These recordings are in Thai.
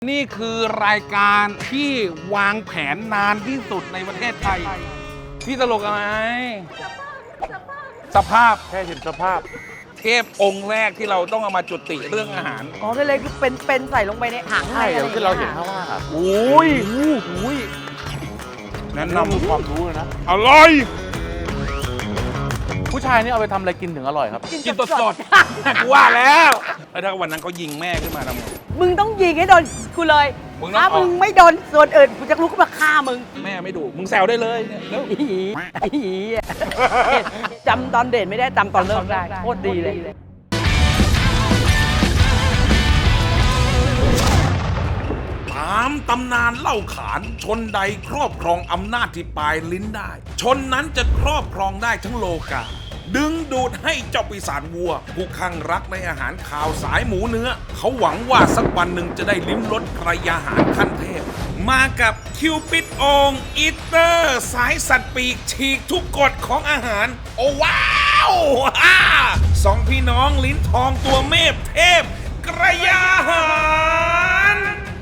นี่คือรายการที่วางแผนนานที่สุดในประเทศไทยพี่ตลกอะไรสภาพแค่เห็นสภาพเทพองค์แรกที่เราต้องเอามาจุติเรื่องอาหารอ๋อก็เลยคือเป็นใส่ลงไปในถังใช่เดี๋ยวที่เราเห็นข้างล่างอ่ะโอ้ยแนะนำความรู้เลยนะอร่อยผู้ชายนี่เอาไปทำอะไรกินถึงอร่อยครับกินสดๆกูว่าแล้วถ้าวันนั้นเขายิงแม่ขึ้นมาทำไงมึงต้องยิงให้โดนกูเลยถ้ามึงไม่โดนส่วนอื่นกูจะลุกขึ้นมาฆ่ามึงแม่ไม่ดุมึงแซวได้เลยเนี่ยแล้วจำตอนเด่นไม่ได้จำตอนเลิกได้โคตรดีเลยตามตำนานเล่าขานชนใดครอบครองอำนาจที่ปลายลิ้นได้ชนนั้นจะครอบครองได้ทั้งโลกาดึงดูดให้เจ้าปีศาจวัวผู้คลั่งรักในอาหารข่าวสายหมูเนื้อเขาหวังว่าสักวันหนึ่งจะได้ลิ้มรสกระยาหารขั้นเทพมากับคิวปิดองอีเตอร์สายสัตว์ปีกฉีกทุกกฎของอาหารโอ้ว้าวสองพี่น้องลิ้นทองตัวเมพเทพกระยาหาร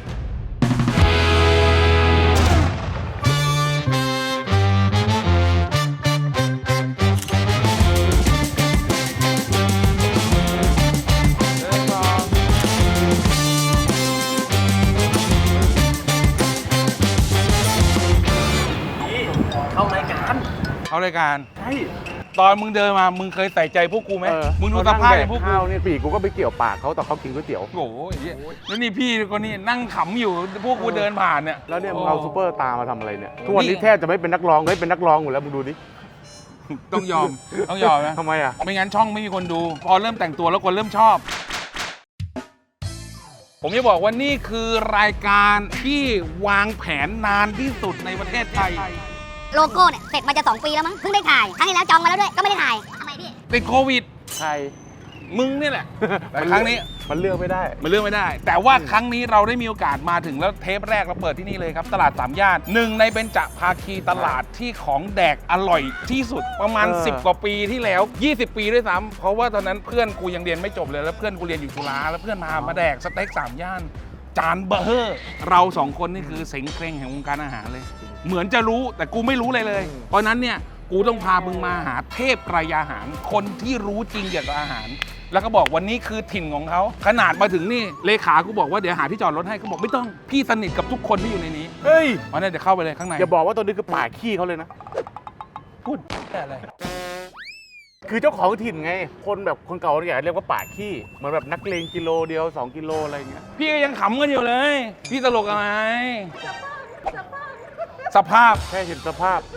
เอารายการใช่ตอนมึงเดินมามึงเคยใส่ใจพวกกูไหมมึงดูสภาพพวกกูเนี่ยปีกกูก็ไปเกี่ยวปากเขาแต่เขากินก๋วยเตี๋ยวโอ้ยแล้วนี่พี่คนนี้นั่งขำอยู่พวกกูเดินผ่านเนี่ยแล้วเนี่ยมึงเอาซูเปอร์ตามาทำอะไรเนี่ยทุกวันนี้แทบจะไม่เป็นนักร้องเป็นนักร้องหมดแล้วมึงดูดิต้องยอมนะทำไมอ่ะไม่งั้นช่องไม่มีคนดูพอเริ่มแต่งตัวแล้วคนเริ่มชอบผมจะบอกว่านี่คือรายการที่วางแผนนานที่สุดในประเทศไทยโลโก้เนี่ยเสร็จมาจะ2 ปีแล้วมั้งเพิ่งได้ถ่ายครั้งที่แล้วจองมาแล้วด้วยก็ไม่ได้ถ่ายทำไมพี่ติดโควิดใช่มึงนี่แหละแต่ครั้งนี้มันเลือกไม่ได้แต่ว่าครั้งนี้เราได้มีโอกาสมาถึงแล้วเทปแรกเราเปิดที่นี่เลยครับตลาดสามย่านหนึ่งในเบญจภาคีตลาดที่ของแดกอร่อยที่สุดประมาณ10 กว่าปีที่แล้ว20 ปีด้วยซ้ำเพราะว่าตอนนั้นเพื่อนกูยังเรียนไม่จบเลยแล้วเพื่อนกูเรียนอยู่จุฬาแล้วเพื่อนมาแดกสเต็กสามย่านจานเบอร์เฮอร์เรา2 คนนี่คือเสงเคร่งแห่งวงการอาหารเลยเหมือนจะรู้แต่กูไม่รู้เลยเพราะนั้นเนี่ยกูต้องพามึงมาหาเทพกระยาหารคนที่รู้จริงเกี่ยวกับอาหารแล้วก็บอกวันนี้คือถิ่นของเขาขนาดมาถึงนี่เลขากูบอกว่าเดี๋ยวหาที่จอดรถให้เขาบอกไม่ต้องพี่สนิทกับทุกคนที่อยู่ในนี้เฮ้ยวันนี้เดี๋ยวเข้าไปเลยข้างในอย่าบอกว่าตัวนี้คือป่าขี้เขาเลยนะพูดอะไรคือเจ้าของถิ่นไงคนแบบคนเก่าเนี่ยเรียกว่าป่าขี้เหมือนแบบนักเลงกิโลเดียว2 กิโลอะไรเงี้ยพี่ก็ยังขำกันอยู่เลยพี่ตลกอะไรสภาพแค่เห็นสภาพ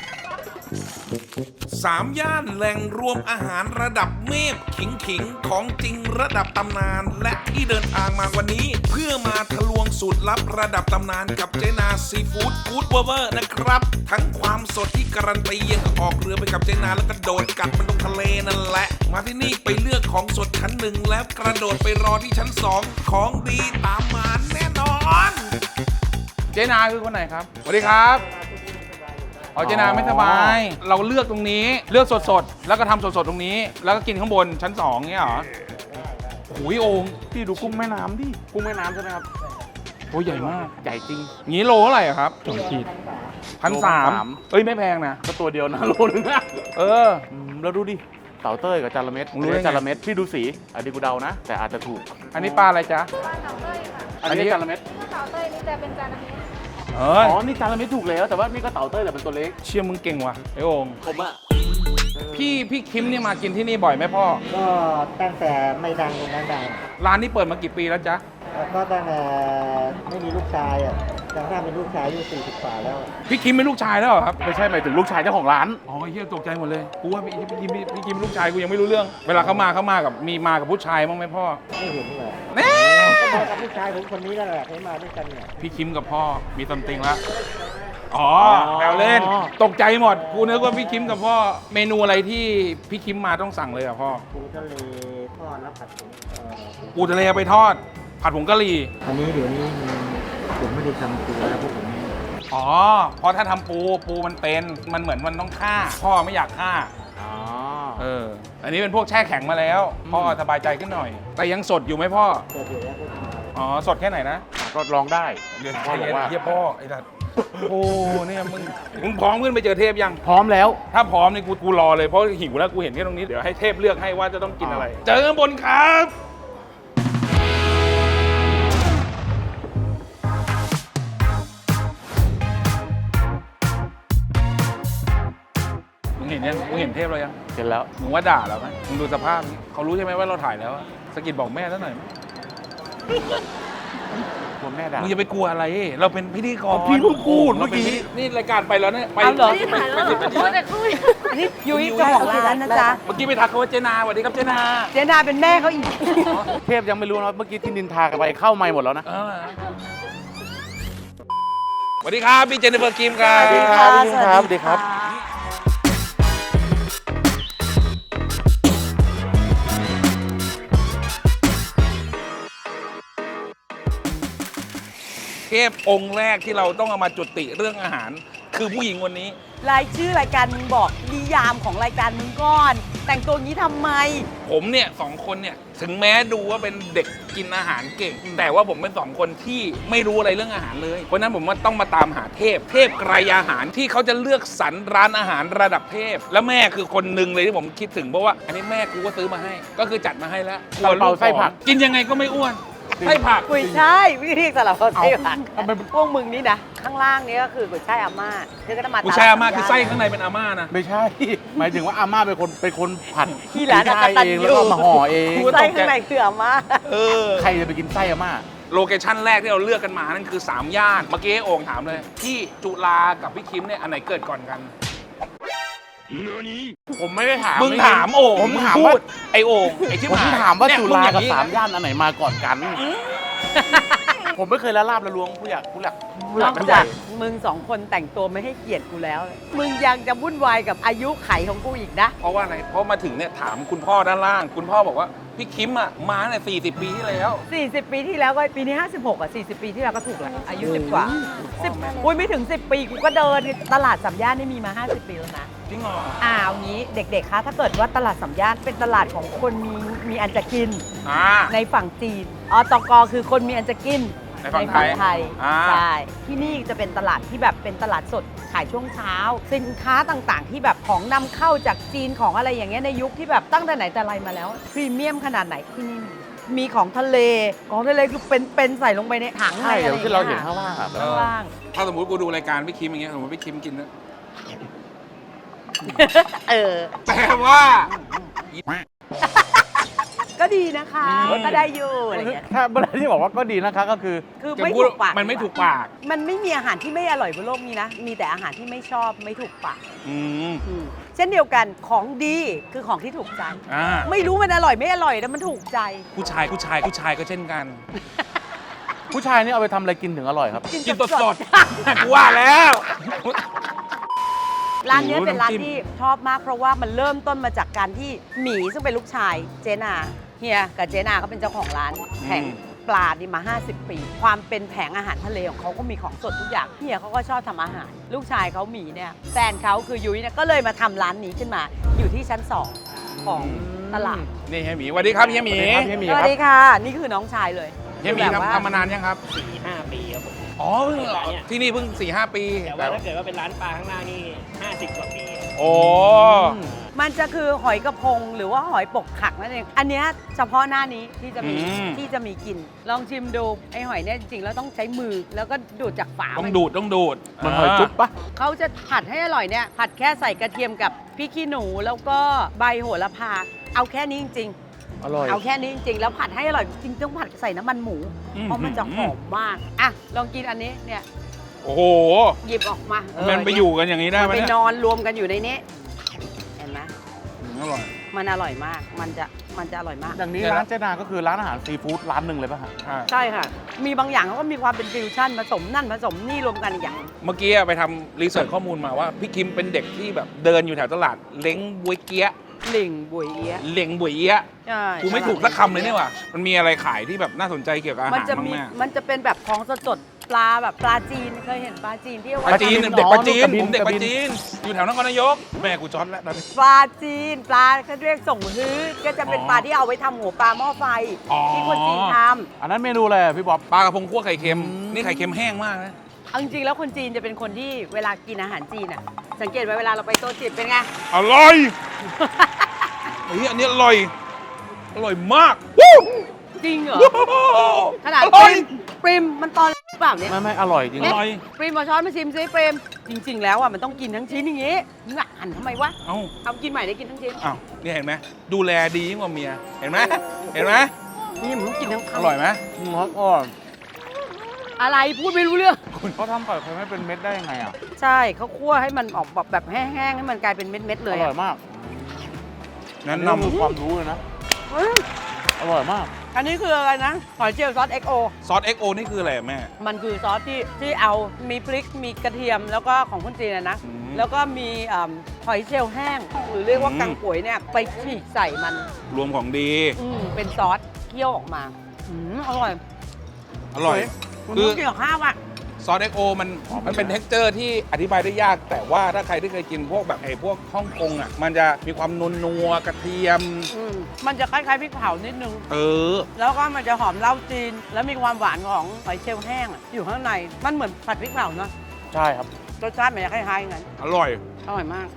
3 ย่านแหล่งรวมอาหารระดับเมพขิงของจริงระดับตำนานและที่เดินทางมาวันนี้เพื่อมาทะลวงสูตรลับระดับตำนานกับเจนาซีฟู้ดกู๊ดเวอร์นะครับทั้งความสดที่การันตียังออกเรือไปกับเจนาแล้วก็โดดกัดมันลงทะเลนั่นแหละมาที่นี่ไปเลือกของสดชั้น 1แล้วกระโดดไปรอที่ชั้น 2ของดีตามมาแน่นอนเจนาคือคนไหนครับสวัสดีครับเจนาไม่สบายเราเลือกตรงนี้เลือกสดๆแล้วก็ทำสดๆตรงนี้แล้วก็กินข้างบนชั้น 2เงี้ยเหรอโอ้ยโอ่งพี่ดูกุ้งแม่น้ำดิกุ้งแม่น้ำใช่ไหมครับโอ้ใหญ่มากใหญ่จริงงี้โลเท่าไหร่ครับ2 ขีด1,300เอ้ยไม่แพงนะก็ตัวเดียวนะโลนึงแล้วดูดิเต่าเต้ยกับจาระเม็ดจาระเม็ดพี่ดูสีอันนี้กูเดานะแต่อาจจะถูกอันนี้ปลาอะไรจ๊ะอันนี้จาระเม็ดเต่าเต้ยนี่จะเป็นจาระเม็ดนี่จาระเม็ดถูกแล้วแต่ว่านี่ก็เต่าเต้ยแต่เป็นตัวเล็กเชี่ยมึงเก่งว่ะไอ้โอ่งผมอะพี่คิมนี่มากินที่นี่บ่อยไหมพ่อก็ตั้งแต่ไม่ดังตรงนั้นดังร้านนี้เปิดมากี่ปีแล้วจ๊ะก็ตั้งแต่ไม่มีลูกชายอ่ะตั้งแต่เป็นลูกชายอายุ40 กว่าแล้วพี่คิมเป็นลูกชายแล้วเหรอครับไม่ใช่หมายถึงลูกชายเจ้าของร้านเฮียตกใจหมดเลยกูว่าพี่คิมเป็นลูกชายกูยังไม่รู้เรื่องเวลาเขามากับมากับผู้ชายบ้างไหมพ่อไม่เห็นเลยแน่ก็มากับผู้ชายผมคนนี้นั่นแหละให้มาด้วยกันเนี่ยพี่คิมกับพ่อมีซัมติงแล้วแซวเล่นตกใจหมดกูนึกว่าพี่คิมกับพ่อเมนูอะไรที่พี่คิมมาต้องสั่งเลยอ่ะพ่อปูทะเลทอดแล้วผัดปูทะเลไปทอดผัดผงกะหรี่อันนี้เดี๋ยวนี้ผมไม่ได้ทำปูแล้วพวกผมเพราะถ้าทำปูมันเหมือนมันต้องฆ่าพ่อไม่อยากฆ่าอันนี้เป็นพวกแช่แข็งมาแล้วพ่อสบายใจขึ้นหน่อยแต่ยังสดอยู่ไหมพ่อสดอยู่แล้วสดแค่ไหนนะก็ลองได้เดี๋ยวพ่อบอกว่าเฮียพ่อไอ้สัตว์โอ้เนี่ยมึงพร้อมขึ้นไปเจอเทพยังพร้อมแล้วถ้าพร้อมนี่กูรอเลยเพราะหิวแล้วกูเห็นแค่ตรงนี้เดี๋ยวให้เทพเลือกให้ว่าจะต้องกินอะไร เจอกันบนครับมึงเห็นยังมึงเห็นเทพเรายังเสร็จแล้วมึงว่าด่าเราไหมมึงดูสภาพนี้เขารู้ใช่ไหมว่าเราถ่ายแล้วอะสะกิดบอกแม่ซะหน่อยไหมกลัวแม่ด่ามึงอย่าไปกลัวอะไร เราเป็นพิธีกรพี่เพิ่งพูดเมื่อกี้นี่รายการไปแล้วเนี่ยไปเอาเหรอไป10 นาทีอันนี้ยุ้ยเจ้าของร้านนะจ๊ะเมื่อกี้ไปทักเขาว่าเจนาสวัสดีครับเจนาเจนาเป็นแม่เขาอีกเทพยังไม่รู้นะเมื่อกี้ที่นินทากันไปเข้าไม่หมดแล้วนะสวัสดีครับพี่เจนนิเฟอร์กิมครับสวัสดีครับพี่ครับสวัสดีครับเทพองค์แรกที่เราต้องเอามาจุติเรื่องอาหาร คือผู้หญิงคนนี้รายชื่อรายการมึงบอกนิยามของรายการมึงก่อน แต่งตัวงี้ทำไมผมเนี่ย2 คนเนี่ยถึงแม้ดูว่าเป็นเด็กกินอาหารเก่ง แต่ว่าผมเป็น2 คนที่ไม่รู้อะไรเรื่องอาหารเลยเพราะฉะนั้นผมว่าต้องมาตามหาเทพไกรอาหารที่เขาจะเลือกสรรร้านอาหารระดับเทพ และแม่คือคนหนึ่งเลยที่ผมคิดถึงเพราะว่าอันนี้แม่กูก็ซื้อมาให้ ก็คือจัดมาให้แล้วซาลาเปาไส้ผักกินยังไงก็ไม่อ้วนไส้ผักกุยช่ายวิธีสลับเขาใช่ผักเอาทำไมพวกมึงนี่นะ ข้างล่างนี้ก็คือกุยช่ายอาม่าเธอก็จะมากูแช่มากคือไส้ข้างในเป็นอาม่านะไม่ใช่ หมายถึงว่าอาม่าเป็นคนผัดที่ร้านได้ตันเองอแล้วก็ยู่มาห่อเองไส้ข้างในคืออาม่าเออใครจะไปกินไส้อาม่าโลเคชั่นแรกที่เราเลือกกันมานั่นคือ 3 ย่าน เมื่อกี้โอ่งถามเลย ที่จุฬากับพี่คิมเนี่ยอันไหนเกิดก่อนกันผมไม่ได้ถามมึงถามโอ่งผมถามพูว่าดไอโอ่งไอที่ผมหยถามว่าเนี่ยจุฬากับงอย่งนี้ 3 ย่านอันไหนมาก่อนกัน ผมไม่เคยละลาบละลวงผู้อยากนอกจากมึง2 คนแต่งตัวไม่ให้เกียรติกูแล้ว มึงยังจะวุ่นวายกับอายุไขของกูอีกนะเพราะว่าอะไร เพราะมาถึงเนี่ยถามคุณพ่อด้านล่าง คุณพ่อบอกว่าพี่คิมอ่ะมาเนี่ย40 ปีที่แล้ว 40 ปีที่แล้วก็ปีนี้ 56 อ่ะ 40 ปีที่แล้วก็ถูกแล้วอายุ 10 กว่า 10 อุ้ยไม่ถึง 10 ปีกูก็เดินตลาดสามย่านนี่มีมา 50 ปีแล้วนะจริงเหรอเอางี้เด็กๆ คะ ถ้าเกิดว่าตลาดสามย่านเป็นตลาดของคนมีอันจะกินอ่าในฝั่งจีนตกคือคนมีอันจะกินในฝั่งไทยอ่าใช่ ที่นี่จะเป็นตลาดที่แบบเป็นตลาดสดขายช่วงเช้า สินค้าต่างๆ ที่แบบของนำเข้าจากจีนของอะไรอย่างเงี้ยในยุคที่แบบตั้งแต่ไหนแต่ไรมาแล้วพรีเมียมขนาดไหนที่นี่มีของทะเลคือเป็นใส่ลงไปในถังใช่อะไรเดี๋ยวที่เราเห็นข้างล่างอะข้างล่างถ้าสมมติกูดูรายการพี่คิมอย่างเงี้ยสมมติพี่คิมกินนะเออแต่ว่าก็ดีนะคะก็ได้อยู่อะไรอย่างเงี้ยถ้าเวลาที่บอกว่าก็ดีนะคะก็คือคือจะไม่พูดถูกปากมันไม่ถูกปากมันไม่มีอาหารที่ไม่อร่อยบนโลกนี้นะ มีแต่อาหารที่ไม่ชอบไม่ถูกปากอืมเช่นเดียวกันของดีคือของที่ถูกใจอ่าไม่รู้มันอร่อยไม่อร่อยแต่มันถูกใจผู้ชายก็เช่นกันผู้ชายนี่เอาไปทำอะไรกินถึงอร่อยครับกินสดๆ กูว่าแล้วร้านเนี้ยโอ้โหเป็นร้านน้ำจิ้มที่ชอบมากเพราะว่ามันเริ่มต้นมาจากการที่หมีซึ่งเป็นลูกชายเจนาเฮียกับเจนาเขาเป็นเจ้าของร้านแผงปลานี่มา 50 ปี ความเป็นแผงอาหารทะเลของเขาก็มีของสดทุกอย่างเฮียเขาก็ชอบทำอาหาร ลูกชายเขาหมีเนี่ยแฟนเขาคือยุ้ยเนี่ยก็เลยมาทำร้านนี้ขึ้นมาอยู่ที่ชั้น 2 ของตลาดนี่เฮียหมีสวัสดีครับเฮียหมีสวัสดีครับเฮียหมีสวัสดีค่ะ นี่คือน้องชายเลยเฮียหมีคือแบบว่าทำมานานยังครับ 4-5 ปีครับผมอ๋อเพิ่งเหรอที่นี่เพิ่ง 4-5 ปีแต่ว่าถ้าเกิดว่าเป็นร้านปลาข้างล่างนี่ 50 กว่าปีโอ้มันจะคือหอยกระพงหรือว่าหอยปกขักนั่นเอง อันเนี้ยเฉพาะหน้านี้ที่จะมีกลิ่นลองชิมดูไอหอยเนี่ยจริงๆแล้วต้องใช้มือแล้วก็ดูดจากฝาต้องดูดมันหอยจุ๊บปะเขาจะผัดให้อร่อยเนี่ยผัดแค่ใส่กระเทียมกับพริกขี้หนูแล้วก็ใบโหระพาเอาแค่นี้จริงอร่อยๆเอาแค่นี้จริงๆแล้วผัดให้อร่อยจริงๆต้องผัดใส่น้ำมันหมู เพราะมันจะหอมมากอ่ะลองกินอันนี้เนี่ยโอ้โหหยิบออกมามันไปอยู่กันอย่างนี้ได้มันไหมไปเนี่ยนอนรวมกันอยู่ในนี้เห็นไหมอร่อยมันอร่อยมากมันจะอร่อยมากอย่างนี้เดี๋ยวนะร้านเจนาก็คือร้านอาหารซีฟู้ดร้านหนึ่งเลยป่ะฮะใช่ค่ะ มีบางอย่างเขาก็มีความเป็นฟิวชั่นผสมนั่นผสมนี่รวมกันอีกอย่างเมื่อกี้ไปทำรีเสิร์ชข้อมูลมาว่าพี่คิมเป็นเด็กที่แบบเดินอยู่แถวตลาดเล้งบวยเกี้ยะหลิงบวยเอี๊ยะเล้งบวยเอี้ยะใช่กูไม่ถูกสักคำเลยเนี่ยว่ะมันมีอะไรขายที่แบบน่าสนใจเกี่ยวกับอามันหารจะบ้างมีไหมมันจะเป็นแบบของสดปลาแบบปลาจีนเคยเห็นปลาจีนที่เอาปไว้ลาจีนทำเด็กปลาจีนกระบินผมเด็กกระปบิลาน จีน อยู่แถวนครนายก แม่กูจอดแล้วตอนนี้ปลาจีนปลาเขาเรียกส่งฮื้อก็จะเป็นปลาที่เอาไว้ทำหัวปลาหม้อไฟอ๋อที่คนจีนทอันนั้นเมนูอะไรอะพี่บ๊อบปลากระพงคั่วไข่เค็ม นี่ไข่เค็มแห้งมากนะำเอาจริงๆแล้วคนจีนจะเป็นคนที่เวลากินอาหารจีนอ่ะสังเกตไว้เวลาเราไปโต๊ะจีนเป็นไงอร่อย เฮ้ยอันนี้อร่อย อร่อยมากจริงเหรอขนาดอร่อยปริมมันตอนหรือเปล่าเนี่ยไม่อร่อยจริงอร่อยปริมมาช้อนมาชิมซิปริมจริง ๆ แล้วอ่ะมันต้องกินทั้งชิ้นอย่างงี้มึงอ่ะหั่นทำไมวะเอ้าเอากินใหม่ได้กินทั้งชิ้นอ้าวนี่เห็นไหม ดูแลดียิ่งกว่าเมีย เห็นไหม เห็นไหมนี่มึงต้องกินทั้งอคำร่อยไหมอ๋ออะไรพูดไม่รู้เรื่องเขาทำไข่เค็มให้เป็นเม็ดได้ยังไงอ่ะใช่เขาคั่วให้มันออกแบบแห้งๆให้มันกลายเป็นเม็ดๆเลอย ร่อยมากแนะนี่คือคนำวามรู้เลยนะอืมอร่อยมากอันนี้คืออะไรนะหอยเชลล์ซอส XO ซอส XO นี่คืออะไรอะแม่มันคือซอสที่เอามีพริกมีกระเทียมแล้วก็ของคนจีนนะอืมแล้วก็มีหอยเชลล์แห้ง หรือเรียกว่ากังป่วยเนี่ยไปฉีกใส่มันรวมของดีเป็นซอสเคี่ยวออกมาอร่อยอร่อยคุณคือต้องกินกับข้าวอ่ะซอส XO มันเป็น texture ที่อธิบายได้ยาก แต่ว่าถ้าใครที่เคยกินพวกแบบพวกฮ่องกงอ่ะ มันจะมีความนัวๆกระเทียมมันจะคล้ายๆพริกเผานิดนึงเออแล้วก็มันจะหอมเหล้าจีน แล้วมีความหวานของหอยเชลล์แห้งอะอยู่ข้างใน มันเหมือนผัดพริกเผาเนาะใช่ครับรสชาติมันจะคล้ายๆอย่างนั้นอร่อยอร่อยมาก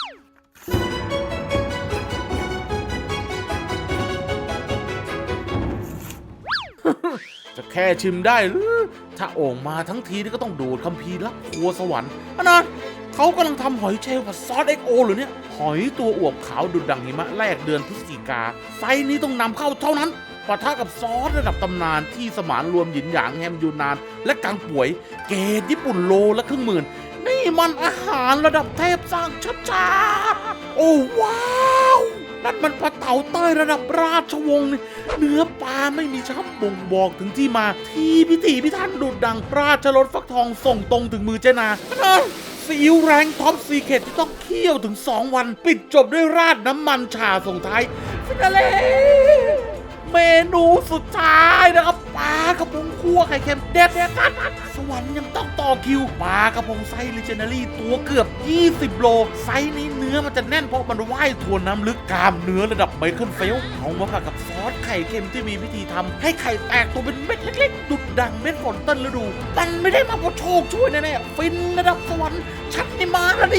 จะแค่ชิมได้หรือถ้าโอ่งมาทั้งทีนี่ก็ต้องดูดคัมภีร์ลับครัวสวรรค์อันนั้นเขากำลังทำหอยเชลล์ผัดซอส XO หรือเนี่ย หอยตัวอวบขาวดุดดังหิมะแรกเดือนพฤศจิกาไซส์นี้ต้องนำเข้าเท่านั้นปะทะกับซอสระดับตำนานที่สมานรวมหยินหยางแฮมยูนาน และกังป่วย เกรดญี่ปุ่นโลละครึ่งหมื่น นี่มันอาหารระดับเทพสร้างชัดๆโอ้ว้าวนั่นมันปลาเต่าเต้ยระดับราชวงศ์นี่เนื้อปลาไม่มีช้ำบ่งบอกถึงที่มาที่พิถีพิถันดุดดังราชรสฟักทองส่งตรงถึงมือเจนาซีอิ๊วแรงท็อปซีเคทที่ต้องเคี่ยวถึง 2 วัน ปิดจบด้วยราดน้ำมันชาส่งท้ายฟินาเล่เมนูสุดท้ายนะครับปลากระพงคั่วไข่เค็มเด็ดสวรรค์ยังต้องต่อคิวปลากระพงไซส์ลิเจนารี่ตัวเกือบ 20 โลไซส์นี้เนื้อมันจะแน่นเพราะมันว่ายทวนน้ำลึกกล้ามเนื้อระดับไมเคิลเฟลป์เอามาผัดกับซอสไข่เค็มที่มีวิธีทำให้ไข่แตกตัวเป็นเม็ดเล็กๆดุดดังเม็ดฝนต้นฤดูมันไม่ได้มาเพราะโชคช่วยแน่ๆฟินระดับสวรรค์ชัดนี่มาแล้วดิ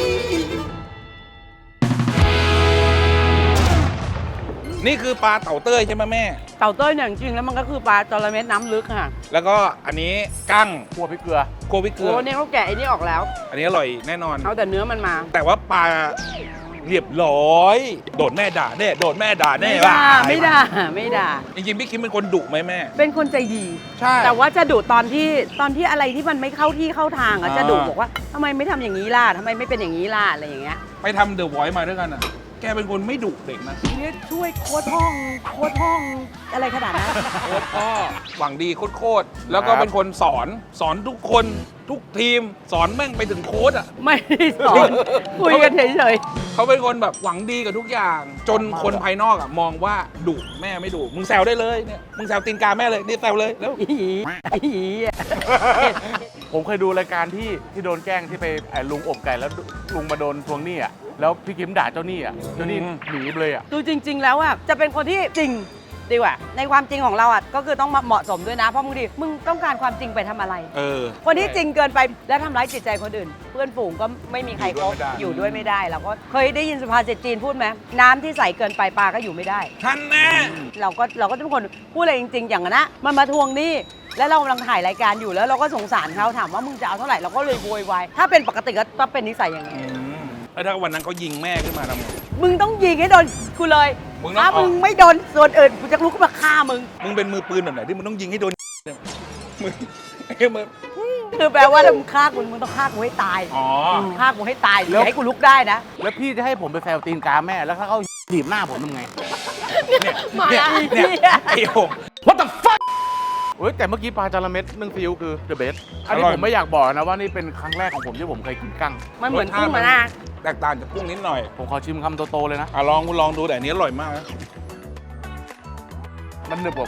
นี่คือปลาเต่าเต้ยใช่ไหมแม่เต่าเต้ยเนี่ยจริงๆแล้วมันก็คือปลาจระเม็ดน้ำลึกค่ะแล้วก็อันนี้กั้งคั่วพริกเกลือโกวิเกลืโอ้อเนี่ยเขาแกะไอ้นี่ออกแล้วอันนี้อร่อยแน่นอนเอาแต่เนื้อมันมาแต่ว่าปลาเรียบร้อย โดนแม่ด่าแน่โดนแม่ด่าแน่ไม่ด่าว่ะไม่ด่าไม่ด่าจริงๆพี่คิมเป็นคนดุไหมแม่เป็นคนใจดีใช่แต่ว่าจะดุตอนที่อะไรที่มันไม่เข้าที่เข้าทางอะจะดุบอกว่าทำไมไม่ทำอย่างนี้ล่ะทำไมไม่เป็นอย่างนี้ล่ะอะไรอย่างเงี้ยไปทำเดอะไวท์มาด้วยกันอ่ะ แกเป็นคนไม่ดุเด็กนะเนี่ยช่วยโค้ดห้องอะไรขนาดนั้นโค้ชพ่อหวังดีโคตรๆแล้วก็เป็นคนสอนทุกคนทุกทีมสอนแม่งไปถึงโค้ชอ่ะไม่ได้สอนคุยกันเฉยเขาเป็นคนแบบหวังดีกับทุกอย่าง จนคนภายนอกอ่ะมองว่าดุแม่ไม่ดุมึงแซวได้เลยเนี่ยมึงแซวตีนกาแม่เลยนี่แซวเลยแล้วๆอีอะผมเคยดูรายการที่โดนแกล้งที่ไปลุงอบไก่แล้วลุงมาโดนทวงหนี้อ่ะแล้วพี่คิมด่าเจ้าหนี้อ่ะเจ้าหนี้หนีไปเลยอ่ะคือจริง ๆ แล้วอะจะเป็นคนที่จริงดีกว่า ในความจริงของเราอะก็คือต้องเหมาะสมด้วยนะเพราะบางทีมึงต้องการความจริงไปทำอะไรเออคนที่จริงเกินไปและทำร้ายจิตใจคนอื่น เพื่อนฝูงก็ไม่มีใครคบออยู่ ยู่ด้วยไม่ได้เราก็เคยได้ยินสุภาษิตจีนพูดไหมน้ำที่ใสเกินไปปลาก็อยู่ไม่ได้ท่านแน่เราก็เป็นคนพูดอะไรจริง ๆ อย่างนั้นนะมันมาทวงหนี้แล้วเรากำลังถ่ายรายการอยู่แล้วเราก็สงสารเขาถามว่ามึงจะเอาเท่าไหร่เราก็เลยโวยวายถ้าเป็นปกติก็เป็นนิสัยอย่างนี้แล้วถ้าวันนั้นเขายิงแม่ขึ้นมาทำไงมึงต้องยิงให้โดนกูเลยมึงต้องถ้าออกมึงไม่โดนส่วนอื่นกูจะลุกขึ้นมาฆ่ามึงมึงเป็นมือปืนแบบไหนที่มึงต้องยิงให้โดนเนี่ยมึงไอ้มึงคือแปลว่าถ้ามึงฆ่ากูมึงต้องฆ่ากูให้ตายอ๋อฆ่ากูให้ตายอย่าให้กูลุกได้นะแล้วพี่จะให้ผมไปแซวตีนกาแม่แล้วถ้าเขาถีบหน้าผมทำไงมาเนี่ยอีกเนี่ยไอ้โห What the fuck เฮ้ยแต่เมื่อกี้ปลาจาระเม็ดนึ่งซีอิ๊วคือ the best อันนี้อร่อยผมไม่อยากบอกนะว่านี่เป็นครั้งแรกของผมที่ผมเคยกินกั้งมันเหมือนกุ้งมานะแตกต่างจากกุ้งนิดหน่อยผมขอชิมคำโตๆเลยนะลองดูแต่อันนี้อร่อยมากนะมันหนึบกว่ากุ้ง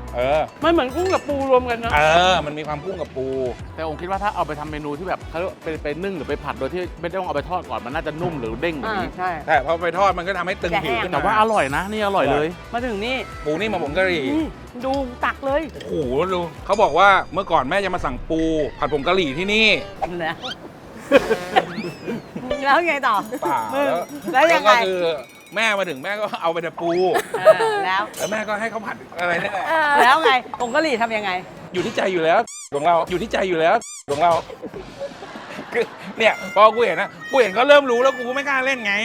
มันเหมือนกุ้งกับปูรวมกันนะมันมีความกุ้งกับปูแต่ผมคิดว่าถ้าเอาไปทำเมนูที่แบบเขาไปนึ่งหรือไปผัดโดยที่ไม่ต้องเอาไปทอดก่อนมันน่าจะนุ่มหรือเด้งกว่านี้ใช่แต่พอไปทอดมันก็ทำให้ตึงผิวขึ้นแต่ว่าอร่อยนะนี่อร่อยเลยมาถึงนี่ปูนี่มาผงกะหรี่นี่ดูตักเลยโอ้โหดูเขาบอกว่าเมื่อก่อนแม่จะมาสั่งปูผัดผงกะหรี่ที่นี่นะแล้วไงต่อเปล่ามึงแล้วแล้วยังไงก็คือแม่มาถึงแม่ก็เอาไปแต่ปูแล้วแล้วแม่ก็ให้เขาผัดอะไรนี่แหละแล้วไงผงกะหรี่ทำยังไงอยู่ที่ใจอยู่แล้วของเราอยู่ที่ใจอยู่แล้วของเราคือเนี่ยพอกูเห็นนะกูเห็นเขาเริ่มรู้แล้วกูก็ไม่กล้าเล่นไง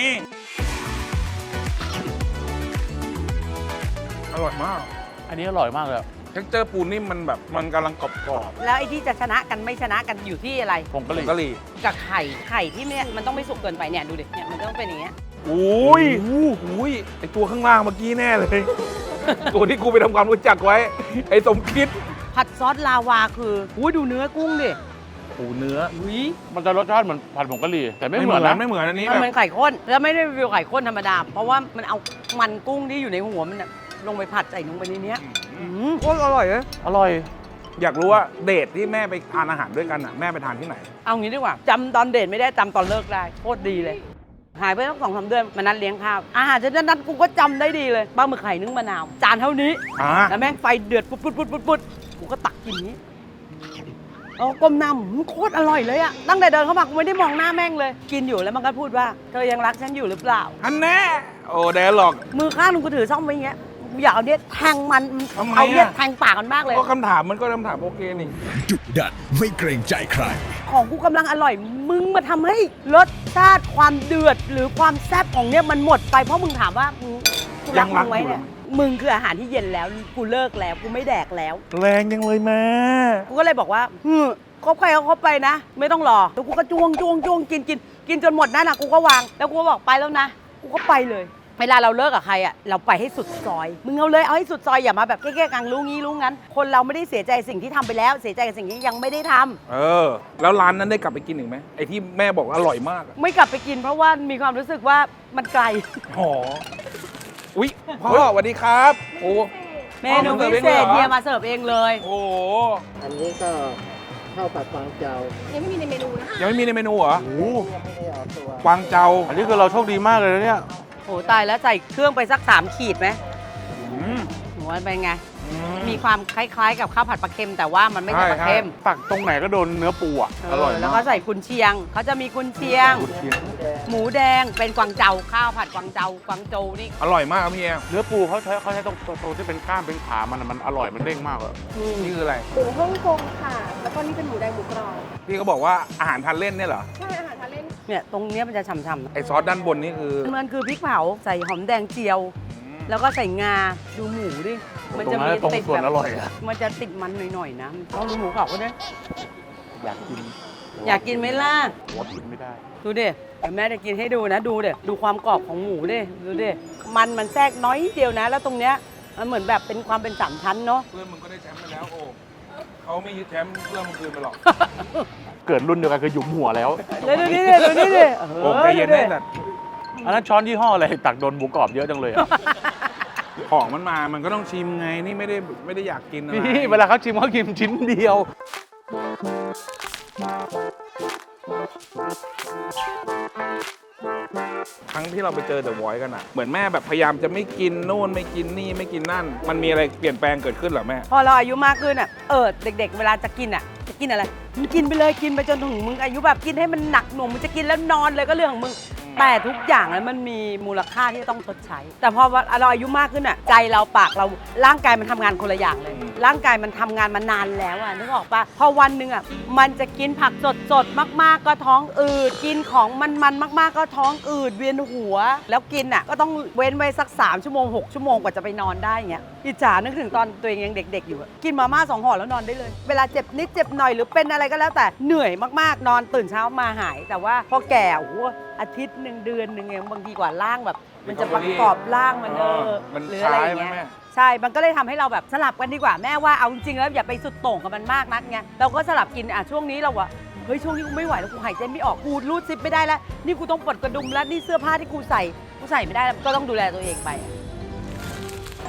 อร่อยมากอันนี้อร่อยมากเลยเท็กเจอร์ปูนิ่มมันแบบมันกำลังกรอบแล้วไอ้ที่จะชนะกันไม่ชนะกันอยู่ที่อะไรผงๆกะหรี่กะหรี่กับไข่ที่เนี่ยมันต้องไม่สุกเกินไปเนี่ยดูดิเนี่ยมันต้องเป็นอย่างเงี้ยอุ้ยไอตัวข้างล่างเมื่อกี้แน่เลย ตัวที่กูไปทำความรู้จักไว้ ไอสมคิดผัดซอสลาวาคืออุ้ยดูเนื้อกุ้งดิปูเนื้ออุ้ยมันจะรสชาติเหมือนผัดผงกะหรี่แต่ไม่เหมือนนะไม่เหมือนอันนี้มันแบบเป็นไข่ข้นแล้วไม่ได้รีวิวไข่ข้นธรรมดาเพราะว่ามันเอามันกุ้งที่อยู่ในหัวมันน่ะลงไปผัดใส่ลงไปในเนี้ยโคตรอร่อยเลยอร่อยอยากรู้ว่าเดทที่แม่ไปทานอาหารด้วยกันอ่ะแม่ไปทานที่ไหนเอางี้ดีกว่าจำตอนเดทไม่ได้จำตอนเลิกได้โคตรดีเลย หายไปตั้ง2-3 เดือนมานัดเลี้ยงข้าวอาหารชนิดนั้นกูก็จำได้ดีเลยปลาหมึกไข่นึ่งมะนาวจานเท่านี้ แล้วแม่งไฟเดือดปุ๊ดกูก็ตักกินนี้ก้มหน้าโคตรอร่อยเลยอะตั้งแต่เดินเข้ามากูไม่ได้มองหน้าแม่งเลย กินอยู่แล้วมันก็พูดว่าเธอยังรักฉันอยู่หรือเปล่าอันแน่โอ้แดนหรอกมือข้างนึงกูถือซ่อมไว้อย่างเงี้ยกูอยากเอาเนี่ยแทงมันทำไมอะเอาเนี่ยแทงปากมันมากเลยก็คำถามมันก็คำถามโอเคนี่ดุดันไม่เกรงใจใครของกูกำลังอร่อยมึงมาทำให้รสชาติความเดือดหรือความแซ่บของเนี่ยมันหมดไปเพราะมึงถามว่ามึงกูรักมึงไว้เนี่ยมึงคืออาหารที่เย็นแล้วกูเลิกแล้วกูไม่แดกแล้วแรงยังเลยแม่กูก็เลยบอกว่าคบใครก็คบไปนะ ไม่ต้องรอแล้วกูก็จ้วงกินจนหมดนั่นน่ะกูก็วางแล้วกูก็บอกไปแล้วนะกูก็ไปเลย เวลาเราเลิกกับใครอ่ะเราไปให้สุดซอยมึงเอาเลยเอาให้สุดซอยอย่ามาแบบแก้ๆกังรู้งี้รู้งั้น คนเราไม่ได้เสียใจสิ่งที่ทำไปแล้วเสียใจกับสิ่งที่ยังไม่ได้ทำแล้วร้านนั้นได้กลับไปกินอีกไหมไอที่แม่บอกว่าอร่อยมากอะไม่กลับไปกินเพราะว่ามีความรู้สึกว่ามันไกลหออุ๊ยพ่อสวัสดีครับโอ้เมนูพิเศษเฮียมาเสิร์ฟเองเลยโอ้อันนี้ก็ข้าวผัดกวางเจายังไม่มีในเมนูเหรอยังไม่ได้ออกตัวกวางเจาอันนี้คือเราโชคดีมากเลยนะเนี่ยโอ้ตายแล้วใส่เครื่องไปสัก3 ขีดไหมหัวเป็นไง มีความคล้ายๆ กับข้าวผัดปลาเค็มแต่ว่ามันไม่ใช่ปลาเค็มตักตรงไหนก็โดนเนื้อปูอ่ะอร่อยแล้วมาก็กใส่กุนเชียงเขาจะมีกุนเชียง หมูแดงเป็นกวางเจาข้าวผัดกวางเจากวางโจวนี่อร่อยมากครับพี่เอเนื้อปูเขาใช้ตรงที่เป็นก้ามเป็นขามันอร่อยมันเด้งมากเลยนี่คืออะไรหมูฮ่องกงค่ะ แล้วก็นี่เป็นหมูแดงหมูกรอบพี่เขาบอกว่าอาหารทานเล่นเนี่ยเหรอใช่อาหารทานเล่นเนี่ยตรงเนี้ยมันจะฉ่ำๆนะไอซอสด้านบนนี่คือมันคือพริกเผาใส่หอมแดงเจียว แล้วก็ใส่งาดูหมูดิมันจะมีตรงติดส่วนแบบอร่อยอะมันจะติดมันหน่อยๆนะลองดูหมูกรอบก็ได้อยากกินอยากกินไหมล่ะหัวกินไม่ได้ดูดิเดี๋ยวแม่จะกินให้ดูนะดูดิดูความกรอบของหมูดิดูดิมันแทรกน้อยเดียวนะ แล้วตรงเนี้ยมันเหมือนแบบเป็นความเป็น3 ชั้นเนาะเพื่อนมึงก็ได้แชมป์ไปแล้วโอ้เขาไม่ยึดแชมป์เพื่อนมึงคืนไปหรอกเกิดรุ่นเดียวกันคือหยุมหัวแล้วเลยดูนี่ดิดูนี่ดิโอ้ใจเย็นได้แต่อันนั้นช้อนยี่ห้ออะไรตักโดนหมูกรอบเยอะจังเลยอะของมันมามันก็ต้องชิมไงนี่ไม่ได้อยากกินอะไรนี่เวลาเขาชิมเขากินชิ้นเดียวครั้งที่เราไปเจอเดอะวอยซ์กันอะเหมือนแม่แบบพยายามจะไม่กินโน่นไม่กินนี่ไม่กินนั่น มันมีอะไรเปลี่ยนแปลงเกิดขึ้นเหรอแม่พอเราอายุมากขึ้นอ่ะเด็กๆ เวลาจะกินอ่ะจะกินอะไรมึงกินไปเลยกินไปจนถึงมึงอายุแบบกินให้มันหนักหน่วงมึงจะกินแล้วนอนเลยก็เรื่องของมึงแต่ทุกอย่างนั้นมันมีมูลค่าที่จะต้องชดใช้ แต่พอเราอายุมากขึ้นอ่ะใจเราปากเราร่างกายมันทำงานคนละอย่างเลย ร่างกายมันทำงานมานานแล้วอ่ะนึกออกปะพอวันหนึ่งอ่ะมันจะกินผักสดๆมากๆก็ท้องอืดกินของมันๆมากๆก็ท้องอืดเวียนหัว แล้วกินอ่ะก็ต้องเว้นไว้สัก3 ชั่วโมง 6 ชั่วโมงกว่าจะไปนอนได้เงี้ยอิจฉานึกถึงตอนตัวเองยังเด็กๆอยู่อะกินมาม่า2 ห่อแล้วนอนได้เลย เวลาเจ็บนิดเจ็บหน่อยหรือเป็นอะไรก็แล้วแต่เหนื่อยมากๆนอนตื่นเช้ามาหาย แต่ว่าพอแก่โอ้โหอาทิตย์หนึ่งเดือนหนึ่งเองบางทีกว่าร่างแบบ มันจะประกอบร่างมันมันหรืออะไรอย่างคล้ายไหมเงี้ยแม่ใช่ มันก็เลยทำให้เราแบบสลับกันดีกว่าแม่ว่าเอาจริงๆแล้วอย่าไปสุดโต่งกับมันมากนักไงเราก็สลับกินช่วงนี้เราอะเฮ้ยช่วงนี้กูไม่ไหวแล้วกูหายใจไม่ออกกูรูดซิปไม่ได้แล้วนี่กูต้องปลดกระดุมแล้วนี่เสื้อผ้าที่กูใส่ไม่ได้แล้วก็ต้องดูแลตัวเองไปที่สุด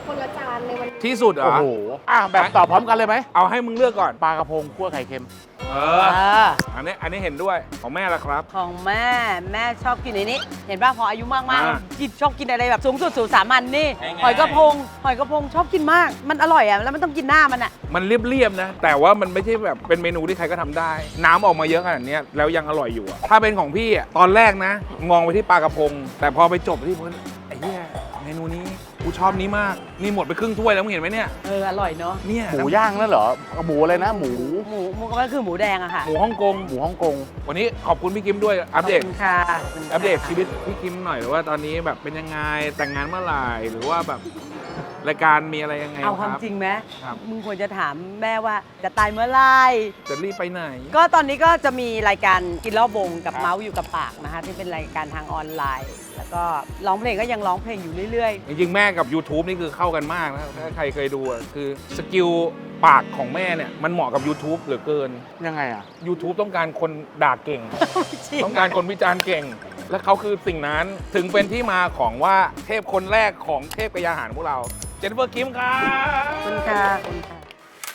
คนละจานในวันนี้ที่สุดเหรโอ้อโหแบบตอบพร้อมกันเลยไหมเอาให้มึงเลือกก่อนปลากระพงคั่วไข่เค็มเอเออออันนี้เห็นด้วยของแม่ละครับของแม่ชอบกินในนี้ เห็นป่ะพออายุมากอ่าๆกินชอบกินอะไรแบบสูงสุดสู่สามัญนี่ง่ายๆหอยกระพงชอบกินมาก มันอร่อยอ่ะแล้วมันต้องกินหน้ามันอ่ะมันเรียบๆนะ แต่ว่ามันไม่ใช่แบบเป็นเมนูที่ใครก็ทำได้ น้ำออกมาเยอะขนาดเนี้ยแล้วยังอร่อยอยู่อะถ้าเป็นของพี่อะตอนแรกนะ มองไปที่ปลากระพง แต่พอไปจบที่มันไอ้เหี้ยเมนูนี้กูชอบนี้มากนี่หมดไปครึ่งถ้วยแล้วมึงเห็นไหมเนี่ยอร่อยเนาะเนี่ยหมูย่างนั่นเหรอ หมูอะไรนะ หมูหมูก็คือหมูแดงอะค่ะหมูฮ่องกงหมูฮ่องกงวันนี้ขอบคุณพี่กิมด้วยอัปเดตขอบคุณค่ะขบคุณค่ะอัปเดตชีวิตพี่กิมหน่อยว่าตอนนี้แบบเป็นยังไงแต่งงานเมื่อไหร่หรือว่าแบบรายการมีอะไรยังไงเอาความครับจริงไหมครับมึงควรจะถามแม่ว่าจะตายเมื่อไหรจะรีบไปไหนก็ตอนนี้ก็จะมีรายการกินรอบวงกับครับเมาส์อยู่กับปากนะคะที่เป็นรายการทางออนไลน์ แล้วก็ร้องเพลงก็ยังร้องเพลงอยู่เรื่อยจริงๆแม่กับ YouTube นี่คือเข้ากันมากนะถ้าใครเคยดูอะคือสกิลปากของแม่เนี่ยมันเหมาะกับ YouTube เหลือเกินยังไงอ่ะ YouTube ต้องการคนด่าเก่งๆ จริงต้องการคนวิจารณ์เก่ง และเขาคือสิ่งนั้นถึงเป็นที่มาของว่าเทพคนแรกของเทพกายาหารพวกเรา เจนนิเฟอร์คิมครับขอบคุณค่ะขอบคุณค่ะ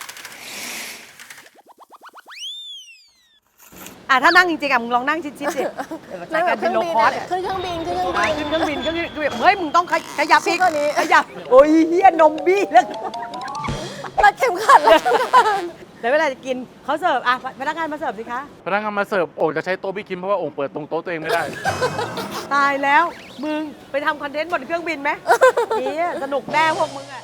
ถ้านั่งจริงๆมึงลองนั่งชิดๆสิรายการเป็นโลคอสขึ้นเครื่องบินขึ้นเครื่องบินขึ้นเครื่องบินเฮ้ยมึงต้องขยับอีกสู้กว่านี้ขยับโอ้ยเฮียนมบี้แล้วรัดเข็มขัดแล้วเดี๋ยวเวลาจะกินเขาเสิร์ฟพนักงานมาเสิร์ฟสิคะพนักงานมาเสิร์ฟโอ่งจะใช้โต๊ะพี่คิมเพราะว่าโอ่งเปิดตรงโต๊ะตัวเองไม่ได้ตายแล้วมึงไปทำคอนเทนต์บนเครื่องบินไหมเฮียสนุกแน่พวกมึง